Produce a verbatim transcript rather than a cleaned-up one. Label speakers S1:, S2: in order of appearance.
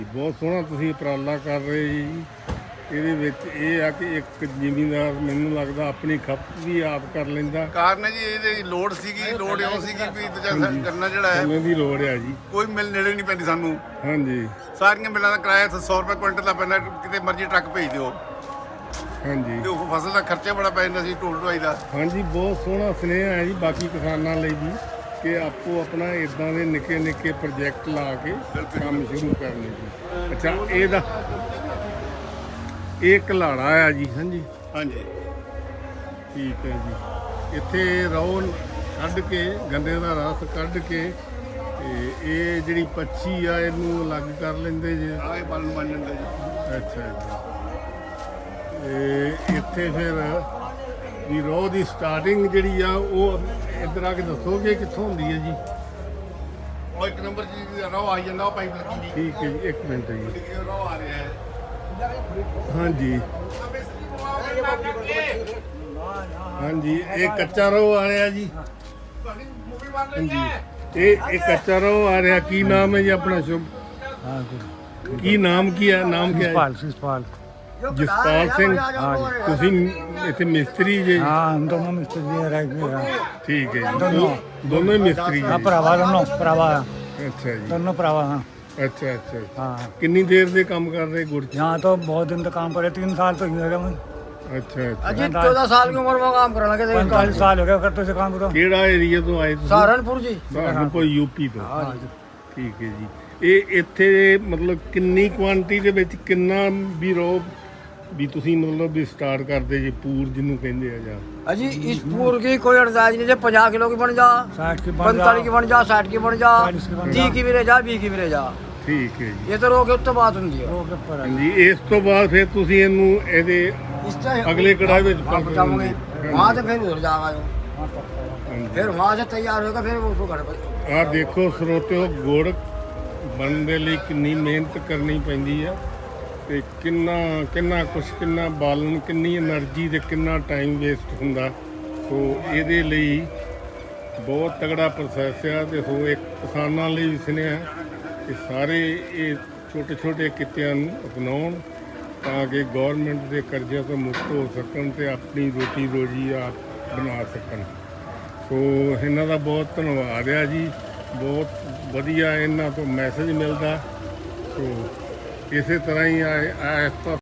S1: ਬਹੁਤ ਸੋਹਣਾ ਤੁਸੀਂ ਉਪਰਾਲਾ ਕਰ ਰਹੇ ਜੀ। ਇਹਦੇ ਵਿੱਚ ਇਹ ਆ ਕਿ ਇੱਕ ਜ਼ਿਮੀਂਦਾਰ ਮੈਨੂੰ ਲੱਗਦਾ ਆਪਣੀ ਖਪਤ ਵੀ ਆਪ ਕਰ ਲੈਂਦਾ।
S2: ਕਾਰਨ ਹੈ ਜੀ ਇਹਦੀ ਲੋੜ ਸੀਗੀ, ਲੋੜ ਇਉਂ ਸੀਗੀ ਵੀ ਦੂਜਾ ਗੰਨਾ ਜਿਹੜਾ ਹੈ
S1: ਸਮੇਂ ਦੀ ਲੋੜ ਆ ਜੀ।
S2: ਕੋਈ ਮਿਲ ਨੇੜੇ ਨਹੀਂ ਪੈਂਦੀ ਸਾਨੂੰ।
S1: ਹਾਂਜੀ
S2: ਸਾਰੀਆਂ ਮਿਲਾਂ ਦਾ ਕਿਰਾਇਆ ਸੌ ਰੁਪਏ ਕੁਇੰਟਲ ਦਾ ਪੈਂਦਾ, ਕਿਤੇ ਮਰਜ਼ੀ ਟਰੱਕ ਭੇਜ ਦਿਓ
S1: ਹਾਂਜੀ
S2: ਤੇ ਉਹ ਫਸਲ ਦਾ ਖਰਚਾ ਬੜਾ ਪੈ ਜਾਂਦਾ ਸੀ, ਢੋਲ ਢੁਆਈ ਦਾ।
S1: ਹਾਂਜੀ ਬਹੁਤ ਸੋਹਣਾ ਸੁਨੇਹਾ ਹੈ ਜੀ ਬਾਕੀ ਕਿਸਾਨਾਂ ਲਈ ਵੀ ਕਿ ਆਪੋ ਆਪਣਾ ਇਦਾਂ ਦੇ ਨਿੱਕੇ ਨਿੱਕੇ ਪ੍ਰੋਜੈਕਟ ਲਾ ਕੇ ਕੰਮ ਸ਼ੁਰੂ ਕਰਨੇ ਜੀ। ਅੱਛਾ ਇਹਦਾ ਇਹ ਘਲਾੜਾ ਆ ਜੀ। ਹਾਂਜੀ
S2: ਹਾਂਜੀ
S1: ਠੀਕ ਹੈ ਜੀ। ਇੱਥੇ ਰੌਣ ਕੱਢ ਕੇ ਗੰਨੇ ਦਾ ਰਸ ਕੱਢ ਕੇ ਤੇ ਇਹ ਜਿਹੜੀ ਪੱਛੀ ਆ ਇਹਨੂੰ ਅਲੱਗ ਕਰ ਲੈਂਦੇ ਜੇ।
S2: ਆਹ ਇਹ ਬਾਲਣ ਬਣ ਜਾਂਦਾ ਜੀ।
S1: ਅੱਛਾ ਜੀ। ਤੇ ਇੱਥੇ ਫਿਰ ਵੀ ਰੋਹ ਦੀ ਸਟਾਰਟਿੰਗ ਜਿਹੜੀ ਆ ਉਹ ਇੱਧਰ ਆ ਕੇ ਦੱਸੋਗੇ ਕਿੱਥੋਂ ਹੁੰਦੀ ਹੈ ਜੀ?
S2: ਉਹ ਇੱਕ ਨੰਬਰ ਜੀ ਰੋ ਆ ਜਾਂਦਾ, ਉਹ ਪਾਈਪ ਲੱਗੀ ਜੀ।
S1: ਠੀਕ ਹੈ ਜੀ ਇੱਕ ਮਿੰਟ ਜੀ।
S2: ਰੋ ਆ ਰਿਹਾ ਹੈ।
S1: ਹਾਂਜੀ ਹਾਂਜੀ ਇਹ ਕੱਚਾ ਰੋਹ ਆ ਰਿਹਾ ਜੀ। ਹਾਂਜੀ ਇਹ ਇਹ ਕੱਚਾ ਰੋਹ ਆ ਰਿਹਾ। ਕੀ ਨਾਮ ਹੈ ਜੀ ਆਪਣਾ? ਸ਼ੁਭ ਕੀ ਨਾਮ ਕੀ ਹੈ? ਨਾਮ ਕੀ ਹੈ?
S3: शिषपाल
S1: ਜਸਪਾਲ ਸਿੰਘ। ਤੁਸੀਂ ਇੱਥੇ ਮਿਸਤਰੀ ਜੇ?
S3: हाँ हम दोनों मिस्त्री हैं, राइट में हैं।
S1: ਠੀਕ ਹੈ ਜੀ। ਦੋ- ਦੋਨੋਂ ਹੀ ਮਿਸਤਰੀ
S3: हाँ
S1: ਜੀ।
S3: भरावा दोनों भरावा
S1: ਅੱਛਾ ਜੀ।
S3: दोनों भरावा हाँ
S1: ਅੱਛਾ ਅੱਛਾ।
S3: हाँ
S1: ਕਿੰਨੀ ਦੇਰ ਦੇ ਕੰਮ ਕਰ ਰਹੇ ਗੁੜ ਚ?
S3: यहाँ तो बहुत दिन तक काम करे, तीन साल तो ही हो गया मैं,
S1: ਅੱਛਾ ਅੱਛਾ।
S4: अजी चौदह साल की उम्र में काम करने लगे थे।
S3: पैंतालीस साल हो गया करते से काम करो।
S1: ਕਿਹੜਾ ਏਰੀਆ ਤੋਂ ਆਏ ਤੁਸੀਂ?
S4: सहारनपुर जी।
S1: ਸਹਾਰਨਪੁਰ ਯੂਪੀ ਤੋਂ।
S3: हाँ जी।
S1: ਠੀਕ ਹੈ ਜੀ। ਇਹ ਇੱਥੇ ਮਤਲਬ ਕਿੰਨੀ ਕੁਆਂਟੀ ਦੇ ਵਿੱਚ ਕਿੰਨਾ ਵੀ ਰੋ ਵੀ ਤੁਸੀਂ ਮਤਲਬ ਵੀ ਸਟਾਰਟ ਕਰਦੇ ਜੇ ਪੂਰ ਜਿਹਨੂੰ ਕਹਿੰਦੇ ਆ ਜਾਂ?
S4: अजी इस पूर की कोई अड़दाज नहीं है। पचास किलो की बन जा,
S3: साठ की बन
S4: पैंतालीस की बन जा, साठ की बन जा,
S3: चालीस की बन
S4: तीस
S3: जा।
S4: की भी रह जा, बीस की भी रह जा।
S1: ਠੀਕ ਹੈ ਜੀ।
S4: ये तो रोके उत्तर बात होती है।
S3: रोक के ऊपर है।
S1: ਹਾਂਜੀ ਇਸ ਤੋਂ ਬਾਅਦ ਫਿਰ ਤੁਸੀਂ ਇਹਨੂੰ ਇਹਦੇ
S4: इससे
S1: अगले कढ़ाई में
S4: वहाँ पहुँचाओगे, वहाँ से फिर उधर जाएगा जो।
S3: हाँ, पक्का है।
S1: ਹਾਂਜੀ।
S4: फिर वहाँ से तैयार होगा, फिर उसको घर पर।
S1: ਆਹ ਦੇਖੋ ਸਰੋਤਿਓ ਗੁੜ ਬਣਨ ਦੇ ਲਈ ਕਿੰਨੀ ਮਿਹਨਤ ਕਰਨੀ ਪੈਂਦੀ ਆ ਤੇ ਕਿੰਨਾ ਕਿੰਨਾ ਕੁਛ ਕਿੰਨਾ ਬਾਲਣ ਕਿੰਨੀ એનર્ਜੀ ਤੇ ਕਿੰਨਾ ਟਾਈਮ ਵੇਸਟ ਹੁੰਦਾ। ਸੋ ਇਹਦੇ ਲਈ ਬਹੁਤ ਤਗੜਾ ਪ੍ਰੋਸੈਸ ਆ ਤੇ ਸੋ ਇੱਕ ਕਿਸਾਨਾਂ ਲਈ ਵੀ ਸੁਨੇਹਾ ਕਿ ਸਾਰੇ ਇਹ ਛੋਟੇ ਛੋਟੇ ਕਿੱਤਿਆਂ ਨੂੰ ਅਪਣਾਉਣ ਤਾਂ ਕਿ ਗੌਰਮੈਂਟ ਦੇ ਕਰਜ਼ਿਆਂ ਤੋਂ ਮੁਕਤ ਹੋ ਸਕਣ ਤੇ ਆਪਣੀ ਰੋਟੀ ਰੋਜੀ ਆਪ ਬਣਾ ਸਕਣ। ਸੋ ਇਹਨਾਂ ਦਾ ਬਹੁਤ ਧੰਨਵਾਦ ਆ ਜੀ। ਬਹੁਤ ਵਧੀਆ ਇਹਨਾਂ ਤੋਂ ਮੈਸੇਜ ਮਿਲਦਾ। ਸੋ ਇਸੇ ਤਰ੍ਹਾਂ ਹੀ ਆ ਇਸ